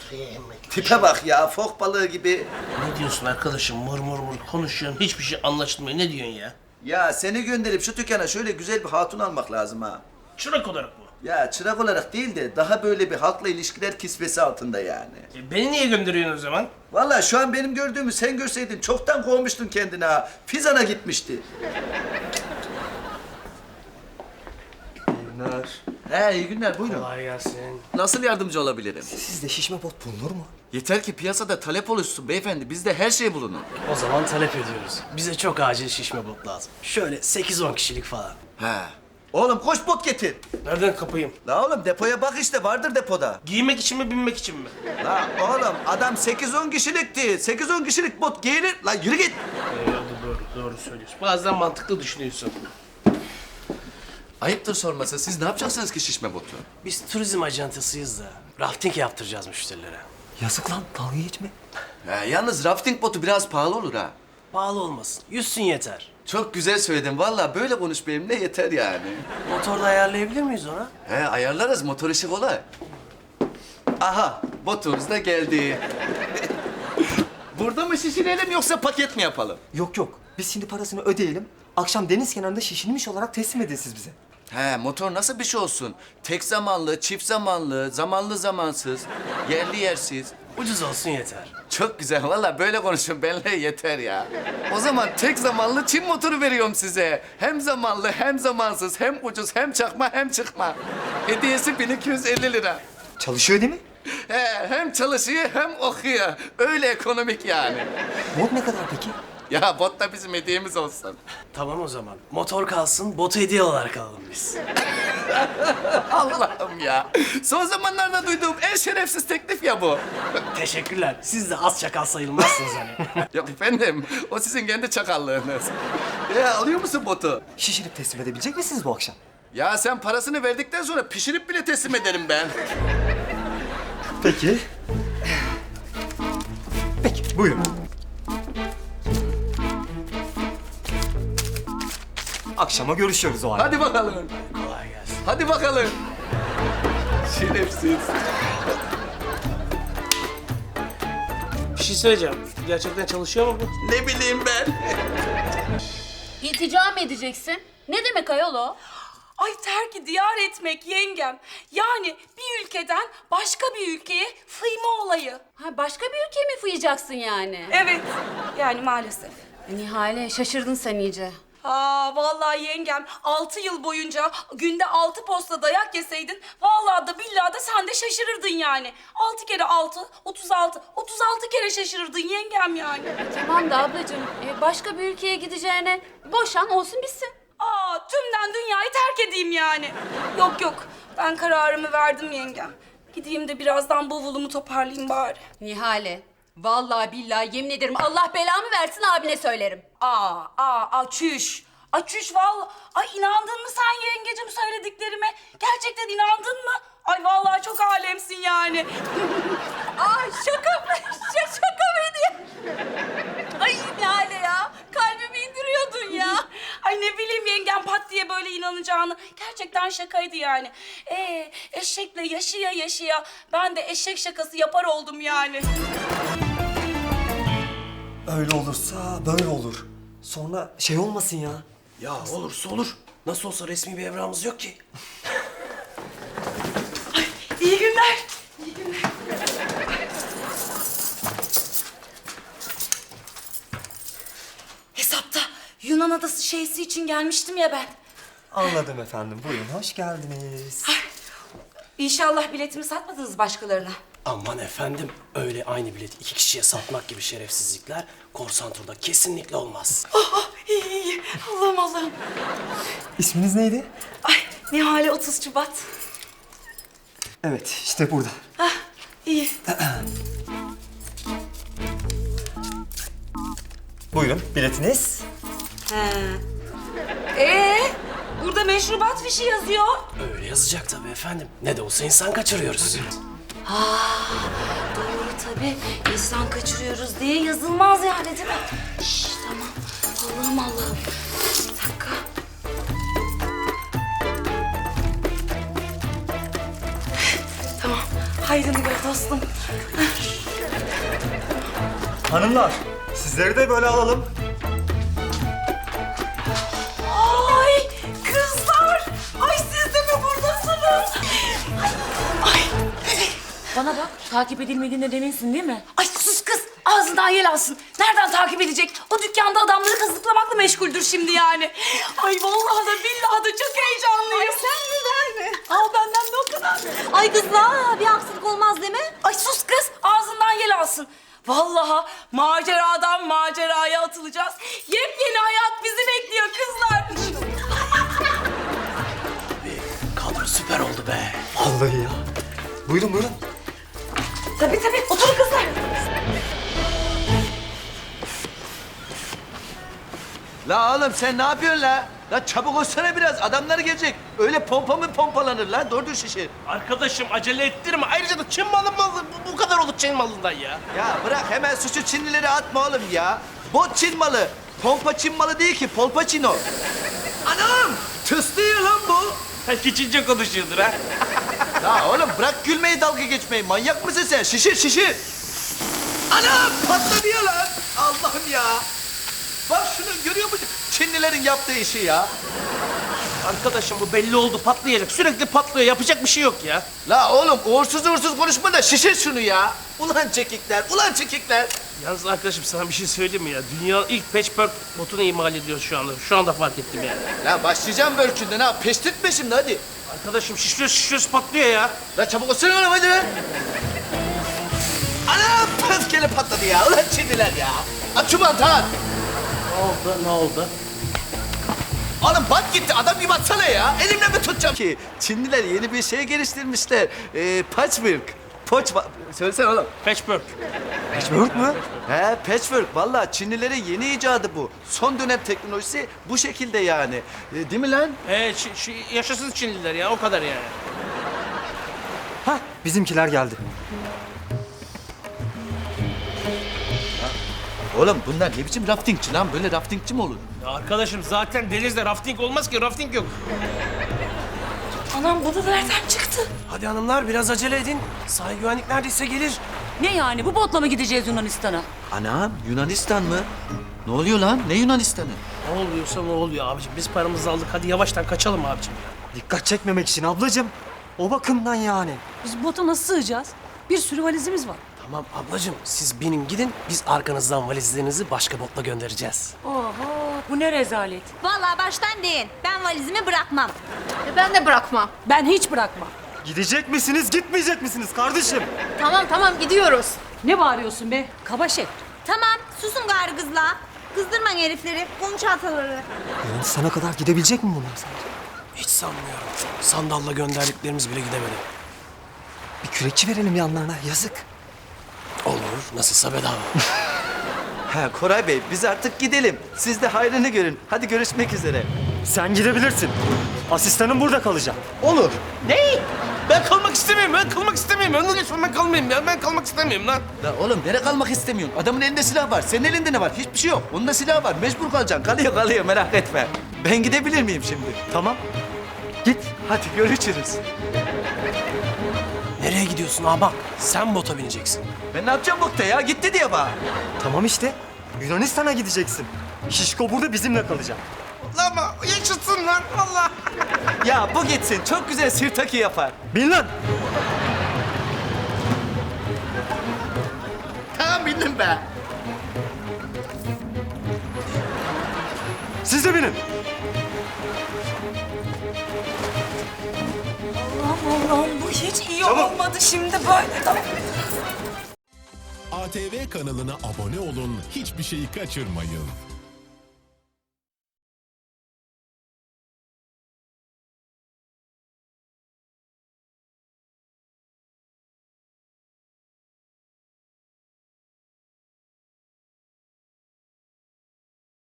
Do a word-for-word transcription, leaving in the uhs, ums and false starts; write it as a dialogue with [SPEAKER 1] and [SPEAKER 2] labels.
[SPEAKER 1] Tipe bak ya, fok balığı gibi.
[SPEAKER 2] Ne diyorsun arkadaşım? Mır mır mır konuşuyorsun. Hiçbir şey anlaşılmıyor. Ne diyorsun ya?
[SPEAKER 1] Ya seni gönderip şu dükkana şöyle güzel bir hatun almak lazım ha.
[SPEAKER 2] Çırak olarak mı?
[SPEAKER 1] Ya çırak olarak değil de daha böyle bir halkla ilişkiler kisvesi altında yani.
[SPEAKER 2] E, beni niye gönderiyorsun o zaman?
[SPEAKER 1] Vallahi şu an benim gördüğümü sen görseydin çoktan kovmuştun kendine ha. Fizan'a gitmişti.
[SPEAKER 3] Günler.
[SPEAKER 1] He, iyi günler, buyurun.
[SPEAKER 2] Kolay gelsin.
[SPEAKER 1] Nasıl yardımcı olabilirim?
[SPEAKER 3] Sizde şişme bot bulunur mu?
[SPEAKER 1] Yeter ki piyasada talep oluşsun beyefendi. Bizde her şey bulunur.
[SPEAKER 4] O zaman talep ediyoruz. Bize çok acil şişme bot lazım. Şöyle sekiz on kişilik falan.
[SPEAKER 1] He. Oğlum koş bot getir.
[SPEAKER 2] Nereden kapayım?
[SPEAKER 1] La oğlum depoya bak işte, vardır depoda.
[SPEAKER 2] Giymek için mi, binmek için mi?
[SPEAKER 1] La oğlum adam sekiz on kişilikti. sekiz on kişilik bot giyilir. La yürü git.
[SPEAKER 2] Ee, doğru, doğru söylüyorsun. Bazen mantıklı düşünüyorsun.
[SPEAKER 1] Ayıptır sorması. Siz ne yapacaksınız ki şişme botu?
[SPEAKER 4] Biz turizm ajantasıyız da rafting yaptıracağız müşterilere.
[SPEAKER 3] Yazık lan, dalga geçme.
[SPEAKER 1] He, yalnız rafting botu biraz pahalı olur ha.
[SPEAKER 4] Pahalı olmasın. Yüzsün yeter.
[SPEAKER 1] Çok güzel söyledin. Vallahi böyle konuş benimle yeter yani.
[SPEAKER 4] Motorda ayarlayabilir miyiz ona?
[SPEAKER 1] He, ayarlarız. Motor işi kolay. Aha, botumuz da geldi. Burada mı şişirelim yoksa paket mi yapalım?
[SPEAKER 3] Yok yok, biz şimdi parasını ödeyelim. Akşam deniz kenarında şişirilmiş olarak teslim edin siz bize.
[SPEAKER 1] He, motor nasıl bir şey olsun? Tek zamanlı, çift zamanlı, zamanlı zamansız, yerli yersiz.
[SPEAKER 4] Ucuz olsun yeter.
[SPEAKER 1] Çok güzel. Vallahi böyle konuşun benimle yeter ya. O zaman tek zamanlı Çin motoru veriyorum size. Hem zamanlı, hem zamansız, hem ucuz, hem çakma, hem çıkma. Hediyesi bin iki yüz elli lira.
[SPEAKER 3] Çalışıyor değil mi?
[SPEAKER 1] He, hem çalışıyor hem okuyor. Öyle ekonomik yani.
[SPEAKER 3] Bot ne kadar peki?
[SPEAKER 1] Ya bot da bizim hediyemiz olsun.
[SPEAKER 4] Tamam o zaman. Motor kalsın, botu hediye olarak alalım biz.
[SPEAKER 1] Allah'ım ya. Son zamanlarda duyduğum en şerefsiz teklif ya bu.
[SPEAKER 4] Teşekkürler. Siz de az çakal sayılmazsınız hani.
[SPEAKER 1] Yok efendim, o sizin kendi çakallığınız. Ya alıyor musun botu?
[SPEAKER 3] Şişirip teslim edebilecek misiniz bu akşam?
[SPEAKER 1] Ya sen parasını verdikten sonra pişirip bile teslim ederim ben.
[SPEAKER 3] Peki. Peki, buyurun. Akşama görüşüyoruz o halde.
[SPEAKER 1] Hadi bakalım.
[SPEAKER 4] Kolay gelsin.
[SPEAKER 1] Hadi bakalım. Şerefsiz.
[SPEAKER 2] Bir şey söyleyeceğim. Gerçekten çalışıyor mu bu?
[SPEAKER 1] Ne bileyim ben.
[SPEAKER 5] İltica mı edeceksin? Ne demek ayol o?
[SPEAKER 6] Ay terki diyar etmek yengem. Yani bir ülkeden başka bir ülkeye fıyma olayı.
[SPEAKER 5] Ha, başka bir ülkeye mi fıyacaksın yani?
[SPEAKER 6] Evet, yani maalesef.
[SPEAKER 5] Nihale şaşırdın sen iyice.
[SPEAKER 6] Aa vallahi yengem altı yıl boyunca günde altı posta dayak yeseydin vallahi da billahi da sen de şaşırırdın yani. Altı kere altı, otuz altı. Otuz altı kere şaşırırdın yengem yani.
[SPEAKER 5] Tamam da ablacığım e, başka bir ülkeye gideceğine boşan olsun bitsin.
[SPEAKER 6] Aa tümden dünyayı terk edeyim yani. Yok yok ben kararımı verdim yengem. Gideyim de birazdan bavulumu toparlayayım bari.
[SPEAKER 5] Nihale vallahi billahi yemin ederim Allah belamı versin abine söylerim.
[SPEAKER 6] Aa, aa, aa, çüş. Ay çüş vallahi. Ay inandın mı sen yengecim söylediklerime? Gerçekten inandın mı? Ay vallahi çok alemsin yani.
[SPEAKER 5] Ay şaka mı? Ş- şaka mıydı? Ay Nihale ya kalbimi indiriyordun ya.
[SPEAKER 6] Ay ne bileyim yengem pat diye böyle inanacağını. Gerçekten şakaydı yani. Ee, eşekle yaşaya yaşaya ben de eşek şakası yapar oldum yani.
[SPEAKER 3] Öyle olursa böyle olur. Sonra şey olmasın ya.
[SPEAKER 4] Ya olursa olur. Nasıl olsa resmi bir evramımız yok ki.
[SPEAKER 6] İyi günler. Hesapta Yunan adası şeysi için gelmiştim ya ben.
[SPEAKER 3] Anladım efendim. Buyurun, hoş geldiniz.
[SPEAKER 6] İnşallah biletimi satmadınız başkalarına.
[SPEAKER 4] Aman efendim, öyle aynı bileti iki kişiye satmak gibi şerefsizlikler korsan turda kesinlikle olmaz.
[SPEAKER 6] Oh, oh, iyi iyi iyi. Allah'ım Allah'ım.
[SPEAKER 3] İsminiz neydi?
[SPEAKER 6] Ay Nihale otuz Şubat.
[SPEAKER 3] Evet, işte burada.
[SPEAKER 6] Ah iyi.
[SPEAKER 3] Buyurun, biletiniz.
[SPEAKER 6] He. Ee, burada meşrubat fişi yazıyor.
[SPEAKER 4] Öyle yazacak tabii efendim. Ne de olsa insan kaçırıyoruz.
[SPEAKER 6] Doğru tabii. İnsan kaçırıyoruz diye yazılmaz yani değil mi? Şşş tamam. Allah'ım Allah'ım. Bir dakika. Tamam. hayrını gör dostum.
[SPEAKER 3] Hanımlar, sizleri de böyle alalım.
[SPEAKER 6] Ay kızlar! Ay siz de mi buradasınız? Ay, ay.
[SPEAKER 5] Bana bak, takip edilmediğinden eminsin değil mi?
[SPEAKER 6] Ay sus kız! Ağzından yel alsın. Nereden takip edecek? O dükkanda adamları kazıklamakla meşguldür şimdi yani. Ay vallahi da billahi da çok heyecanlıyım. Ay sen mi ben mi? Al benden de o kadar.
[SPEAKER 5] Ay kızlar, bir aksilik olmaz değil mi?
[SPEAKER 6] Ay sus kız! Ağzından yel alsın. Vallahi maceradan maceraya atılacağız. Yepyeni hayat bizi bekliyor kızlar.
[SPEAKER 4] Kadro süper oldu be.
[SPEAKER 3] Vallahi ya. Buyurun buyurun.
[SPEAKER 6] Tabii tabii. Oturun kızlar.
[SPEAKER 7] La oğlum sen ne yapıyorsun la? La çabuk olsana biraz, adamlar gelecek. Öyle pompa mı pompalanır la? Doğru şişir.
[SPEAKER 2] Arkadaşım acele ettirme. Ayrıca da Çin malı malı bu, bu kadar olur Çin malından ya.
[SPEAKER 7] Ya bırak hemen suçu Çinlilere atma oğlum ya. Bot Çin malı. Pompa Çin malı değil ki, polpaçino. Anam! Tıslıyor lan bu.
[SPEAKER 2] Belki Çince konuşuyordur ha.
[SPEAKER 7] La oğlum bırak gülmeyi, dalga geçmeyi. Manyak mısın sen? Şişir şişir. Anam! Patlamıyor lan. Allah'ım ya. Bak şunu görüyor musun? Çinlilerin yaptığı işi ya.
[SPEAKER 2] Arkadaşım bu belli oldu, patlayacak. Sürekli patlıyor, yapacak bir şey yok ya.
[SPEAKER 7] La oğlum uğursuz uğursuz konuşma da şişir şunu ya. Ulan çekikler, ulan çekikler.
[SPEAKER 2] Yalnız arkadaşım sana bir şey söyleyeyim mi ya? Dünyanın ilk patchwork botunu imal ediyoruz şu anda. Şu anda fark ettim yani.
[SPEAKER 7] La başlayacağım bölkünden ha. Peştirtme şimdi hadi.
[SPEAKER 2] Arkadaşım şişiyoruz şişiyoruz patlıyor ya.
[SPEAKER 7] La çabuk olsana oğlum hadi lan. Anam pöfkeli patladı ya. Ulan Çinliler ya. Aç şu bantı at.
[SPEAKER 2] Ne oldu, ne oldu?
[SPEAKER 7] Oğlum bant gitti. Adam gibi atsana ya. Elimle mi tutacağım ki? Çinliler yeni bir şey geliştirmişler. Ee, patchwork. Poç... Söylesene oğlum.
[SPEAKER 2] Patchwork.
[SPEAKER 3] Patchwork mü?
[SPEAKER 7] He patchwork. Vallahi Çinlilerin yeni icadı bu. Son dönem teknolojisi bu şekilde yani. Ee, değil mi lan?
[SPEAKER 2] Ee, Çi- Çi- yaşasın Çinliler ya, o kadar yani.
[SPEAKER 3] Hah, bizimkiler geldi.
[SPEAKER 7] Oğlum bunlar ne biçim raftingçi lan? Böyle raftingçi mi olur?
[SPEAKER 2] Ya arkadaşım zaten denizde rafting olmaz ki, rafting yok.
[SPEAKER 6] Anam bu da nereden çıktı?
[SPEAKER 4] Hadi hanımlar biraz acele edin. Sahil güvenlik neredeyse gelir.
[SPEAKER 5] Ne yani, bu botla mı gideceğiz Yunanistan'a?
[SPEAKER 7] Anam Yunanistan mı? Ne oluyor lan? Ne Yunanistan'ı?
[SPEAKER 2] Ne oluyorsa ne oluyor abicim. Biz paramızı aldık. Hadi yavaştan kaçalım abicim ya.
[SPEAKER 3] Dikkat çekmemek için ablacığım. O bakımdan yani.
[SPEAKER 5] Biz bota nasıl sığacağız? Bir sürü valizimiz var.
[SPEAKER 4] Tamam ablacığım siz binin gidin. Biz arkanızdan valizlerinizi başka botla göndereceğiz.
[SPEAKER 5] Oho, bu ne rezalet.
[SPEAKER 8] Vallahi baştan deyin. Ben valizimi bırakmam.
[SPEAKER 5] Ben de bırakmam. Ben hiç bırakmam.
[SPEAKER 3] Gidecek misiniz, gitmeyecek misiniz kardeşim?
[SPEAKER 5] Tamam tamam gidiyoruz. Ne bağırıyorsun be? Kaba şey.
[SPEAKER 8] Tamam, susun gari kızla. Kızdırmayın herifleri, konuş ataları.
[SPEAKER 3] Yunanistan'a kadar gidebilecek mi bunlar sence?
[SPEAKER 4] Hiç sanmıyorum. Sandalla gönderdiklerimiz bile gidemedi.
[SPEAKER 3] Bir kürekçi verelim yanlarına, yazık.
[SPEAKER 4] Olur. Nasılsa bedava.
[SPEAKER 7] Ha Koray Bey biz artık gidelim. Siz de hayrını görün. Hadi görüşmek üzere.
[SPEAKER 3] Sen gidebilirsin. Asistanım burada kalacak.
[SPEAKER 7] Olur.
[SPEAKER 2] Ne? Ben kalmak istemiyorum. Ben kalmak istemiyorum. Önüne lütfen ben kalmayayım ya. Ben kalmak istemiyorum lan.
[SPEAKER 7] La oğlum nereye kalmak istemiyorsun? Adamın elinde silah var. Senin elinde ne var? Hiçbir şey yok. Onun da silahı var. Mecbur kalacaksın. Kalıyor kalıyor merak etme. Ben gidebilir miyim şimdi?
[SPEAKER 3] Tamam. Git.
[SPEAKER 7] Hadi görüşürüz.
[SPEAKER 4] Nereye gidiyorsun abi? Sen bota bineceksin.
[SPEAKER 7] Ben ne yapacağım bokta ya? Gitti diye bana.
[SPEAKER 3] Tamam işte. Yunanistan'a gideceksin. Şişko burada bizimle kalacak.
[SPEAKER 2] Lan ama yaşasın lan. Allah.
[SPEAKER 7] Ya bu gitsin. Çok güzel sirtaki yapar.
[SPEAKER 3] Bin lan.
[SPEAKER 7] Tamam bildim be.
[SPEAKER 3] Siz de binin.
[SPEAKER 6] Allah'ım Allah'ım bu hiç iyi olmadı şimdi böyle.
[SPEAKER 9] A T V kanalına abone olun, hiçbir şeyi kaçırmayın.